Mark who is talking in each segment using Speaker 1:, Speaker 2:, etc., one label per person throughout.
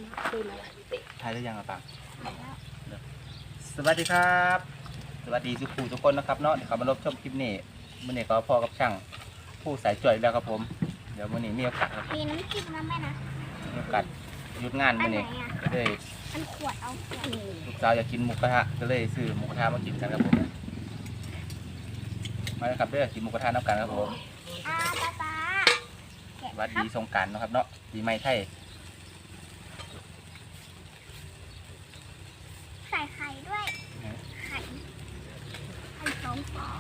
Speaker 1: ถ่ายได้ยังอ่ะปังสวัสดีครับสวัสดีทุกคนนะครับเนาะเดี๋ยวเขามารับชมคลิปนี้มื่อนี้ก็พ่อกับช่างผู้สายจ่วยแล้วครับผมเดี๋ยวมื่อนี้มีโอกาสครับ
Speaker 2: มีน้ำจิ้มนะแม่นะ
Speaker 1: มีโอกาสหยุดงานมื่อนี้ก็เลย
Speaker 2: อันขวดเอาขวด
Speaker 1: ลูกสาวอยากกินหมูกระทะก็เลยซื้อหมูกระทะมากินกันครับผมมาเลยครับเด้อกินหมูกระทะน้ำกันครับผม
Speaker 2: ป๊าแกะ
Speaker 1: สวัส
Speaker 2: ครั
Speaker 1: ดี
Speaker 2: บ
Speaker 1: สงกรานต์นะครับเนาะปีใหม่ไทย
Speaker 2: ใส่ไข่ด้วย ไข่สองฟอง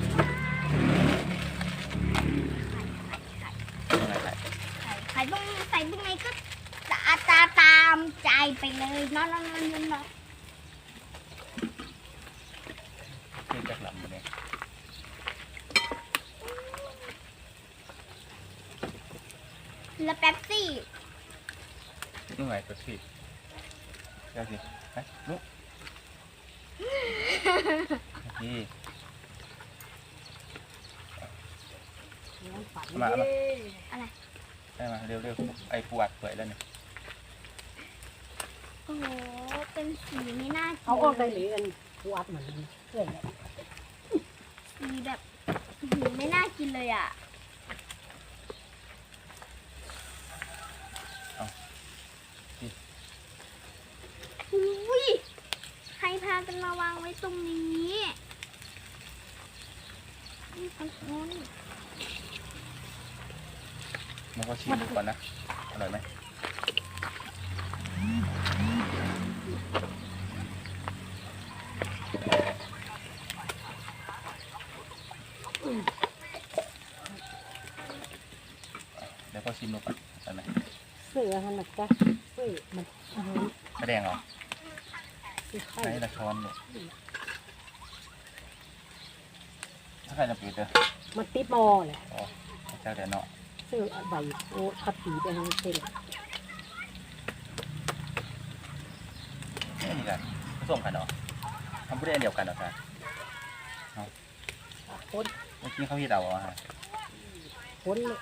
Speaker 2: ไข่ต้องใส่ยังไงก็ตามใจไปเลยเนาะ
Speaker 1: เพื่อนจากหลังมื่อนี้
Speaker 2: แล้วแป๊บซี่
Speaker 1: นู่นไงตัวสิเดี๋ยวสิไปลุกนี่มา
Speaker 2: อะไร
Speaker 1: ได้มาเร็วไอ้ปวดเปื่อยแล้วเนี่ย
Speaker 2: โอ้โหเป็นสีไม่น่ากิน
Speaker 3: เอาออกได้หรืออันวัดเหมือนเพื่อนเลย
Speaker 2: สีแบบไม่น่ากินเลยอ่ะอุ้ยใครพากันมาวางไว้ตรงนี้นี่ตรงนู้น
Speaker 1: มันก็ชิมดูก่อนนะอร่อยไหมเดี๋ยวก็ชิมดูก่อนอร่อยไหม
Speaker 3: เสือหันหลักจ้ะเสือมันอาหาร
Speaker 1: ไม่แดงเหรอ
Speaker 3: คือไข่
Speaker 1: ใช้ละช้อนเนี่ยถ้าใครจะปิดเด้อ
Speaker 3: มันติดหม้อแหละ
Speaker 1: อ๋อเจ้าเดี๋ยวเนาะ
Speaker 3: เสือใบโอ้ขับผีไปทางเส้น
Speaker 1: ไม่มีกันผสมกันเหรอทำผู้เล่นเดียวกันเหรอครับ
Speaker 3: คน
Speaker 1: เมื่อกี้เขาฮิตเอาอะฮะ
Speaker 3: คนเลย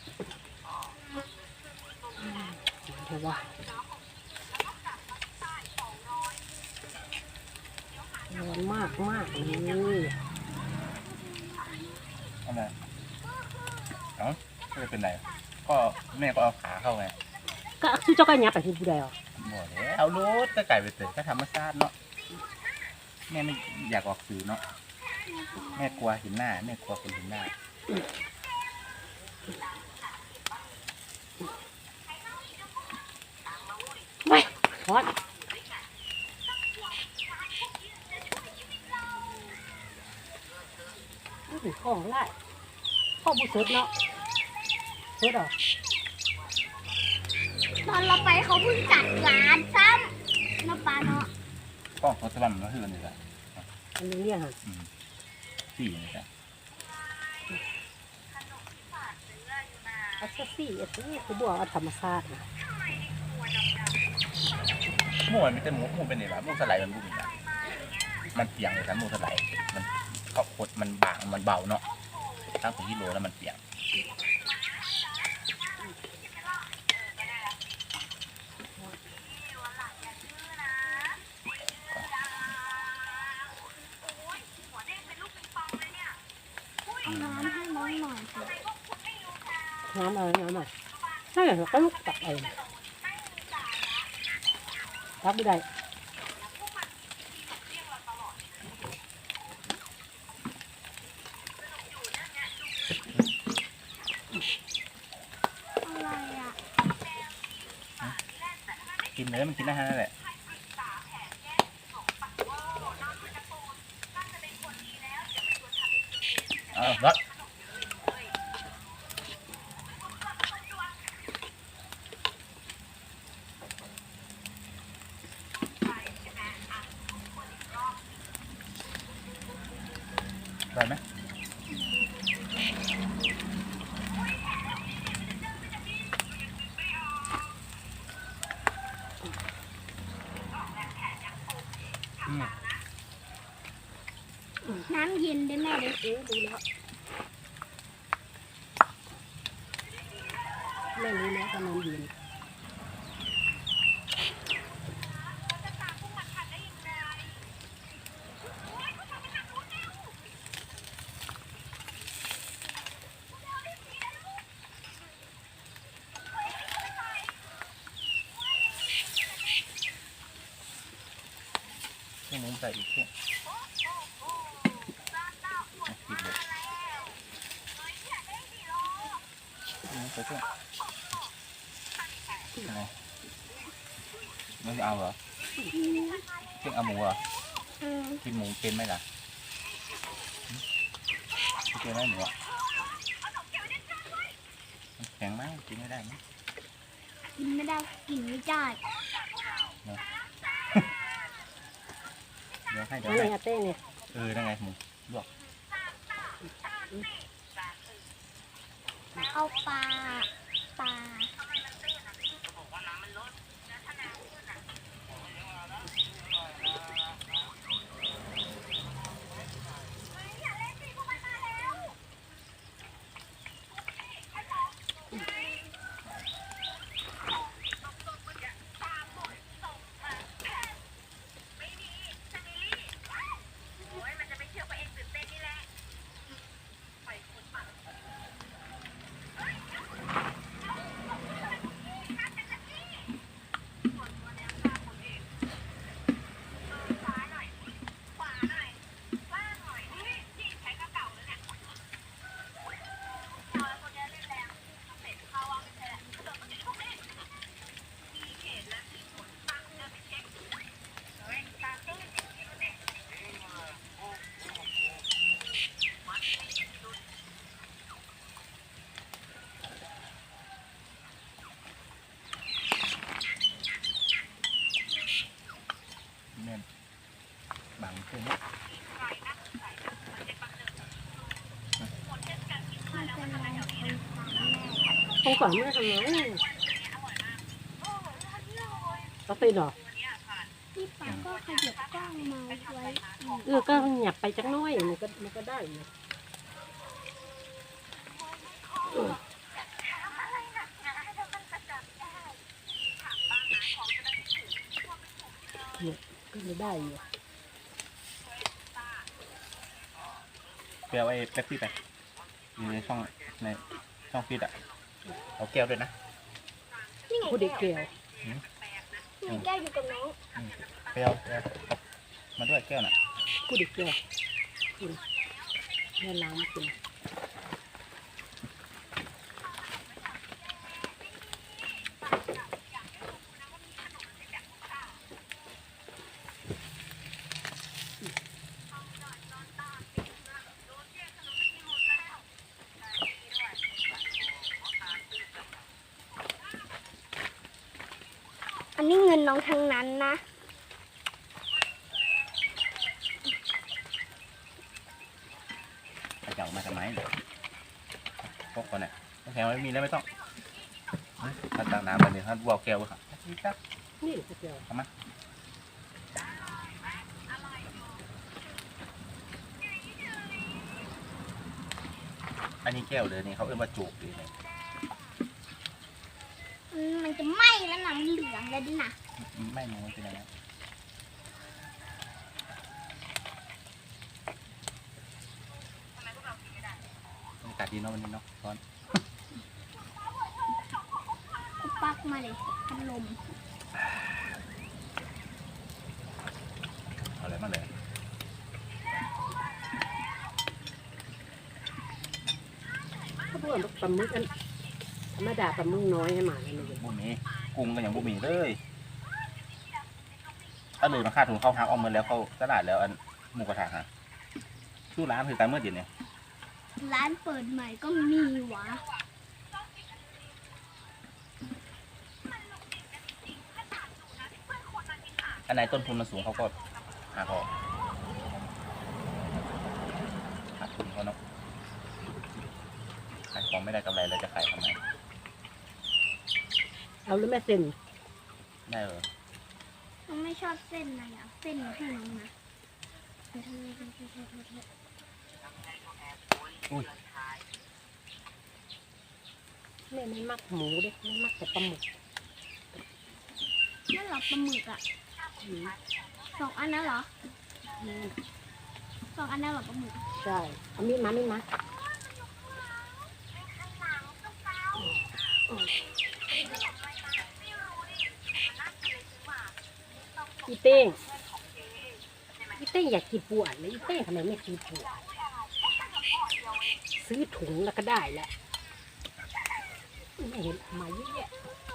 Speaker 3: เดี๋ยวว่าร้อนมากเลย
Speaker 1: เอามาเอ้าไม่ได้เป็นไรก็แม่ก็เอาขาเข้าไง
Speaker 3: ก็ซื้อเจ้าก็ยับไปที่ผู้ใดอ่ะ
Speaker 1: บอกแล้วเอารูดก็ไก่ไปเตะก็ธรรมชาติเนาะแม่ไม่อยากออกสื่อเนาะแม่กลัวเห็นหน้าแม่กลัวคนเห็นหน้า
Speaker 3: ไม่ร้อนนี่ของไล่ข้อบุษดเนาะสดอ่ะ
Speaker 2: ตอนเราไปเขาเพิ่งจัดร้านซ้ำน้ำปลาเนาะ
Speaker 1: กล้องโทรศัพท์มันก็คือนี่แหละ
Speaker 3: อันนี้เนี่ยค่ะ
Speaker 1: สี่นี่แหละ
Speaker 3: อัสซี่อัสซี่คือบัวเอาธรรมชาตินะ
Speaker 1: หมูมันไม่ใช่หมูเป็นไงวะหมูสไลด์มันบุ้มนะมันเปียงเลยครับหมูสไลด์มันเขาขดมันบางมันเบาเนาะตั้งถึงกิโลแล้วมันเปียง
Speaker 2: เอาน้ำให้น้องหน่อยสิ
Speaker 3: น้ำอะไรน้ำอะไรนั่นแหละก็ลูกตักเองรับไม่ได้
Speaker 2: อะไรอ่ะ
Speaker 1: กินเลยมันกินได้ทั้งนั้นแหละเอารถได้ไหม
Speaker 2: น้ำเย็นได้แม่เด็ก
Speaker 3: รู้แล้วแม่รู้แล้วว่าน้ำเย็น
Speaker 1: ใส่อีกเพี้ยปิดเลยใส่เพี้ยอะไรมันจะเอาเหรอเพี้ยเอาหมูเหรอกินหมูเป็นไหมล่ะเป็นไหมหมูอ่ะแข็งไหมกินไม่ได้ไหม
Speaker 2: กินไม่ได้กินไม่ได้
Speaker 1: เดี๋ยวให้
Speaker 3: นั่นไงเต้เนี่ย
Speaker 1: นั่นไงหมูลวก
Speaker 2: เอาปลา
Speaker 1: แม่นบางขึ้น
Speaker 2: มันเป็นอะไรคนฟังแม่
Speaker 3: คงก่อนไม่ทำไงก็ตีนหรอ
Speaker 2: พี่ป๋าก็ขยับกล้องมาไว้
Speaker 3: ก็หยับไปจักน้อยมันก็ได้อยู่ก็ไม่ได้อยู่
Speaker 1: ไปเอาไอ้เป๊ปซี่ไปอยู่ในช่องฟีดอ่ะเอาแก้วด้วยนะ
Speaker 2: นี่ไง
Speaker 3: ผู้เด็กเกลียว
Speaker 2: มีแก้วอยู่กับน้อง
Speaker 1: ไปเอามาด้วยแก้วน่ะ
Speaker 3: ผู้เด็กเกลียวกินแม่ล้างกิน
Speaker 2: อันนี้เงินน้องทั้งนั้นนะ
Speaker 1: จะเอามาทำไมพวกคนเนี่ยแข็งไม่มีแล้วไม่ต้องถ้าตักน้ำไปเนี่ยถ้าวัวแก้วค่ะ
Speaker 3: นี่ผู้เกลียว
Speaker 1: อันนี้แก้วเลยนี่เขาเอื้อมาจูบดีเลย
Speaker 2: มันจะไหม้แล้วหนังเหลืองเลยดินะ
Speaker 1: ไม่รู้เป็นยังไงบรรยากาศดีเนาะวันนี้เนาะร้อน
Speaker 2: กูปักมาเลยพัดลม
Speaker 1: เอาอะไรมาเลย
Speaker 3: เขาบอกว่าปลาหมึกอันธรรมดาปลาหมึกน้อยให้หมาเลยมัน
Speaker 1: บุหมี่กุ้งก็อย่างบุหมี่เลยถ้าเลยมาค่าถุงเข้าฮักออมเงินแล้วเข้าตลาดแล้วอันหมูกระทะฮะชื่อร้านคือการเมื่อเย็นเนี่ย
Speaker 2: ร้านเปิดใหม่ก็มีวะ
Speaker 1: อันไหนต้นทุนมันสูงเขาก็หาเขาขาดทุนเขาเนาะขายของไม่ได้กำไรเลยจะขายทำไม
Speaker 3: เอาหรือแม่เส้น
Speaker 1: ได้เหรอ
Speaker 2: น้องไม่ชอบเส้นอะไรอ่ะเส้นให้น้องนะ
Speaker 1: อุ้ย
Speaker 3: แม่ไม่มักหมูเด้ไม่มักแต่ปลาหมึก
Speaker 2: นั่นเหรอปลาหมึกอ่ะ
Speaker 3: อืม
Speaker 2: สองอันนั้นเหรอ
Speaker 3: อืม
Speaker 2: สองอันนั้นเหรอปลาหมึก
Speaker 3: ใช่เอามีดมาอีเต้งเต้อยากกินปวดเลยอีเต้ทำไมไม่กินปวดซื้อถุงแล้วก็ได้แหละไม่เห็นเอามาเยอะแยะ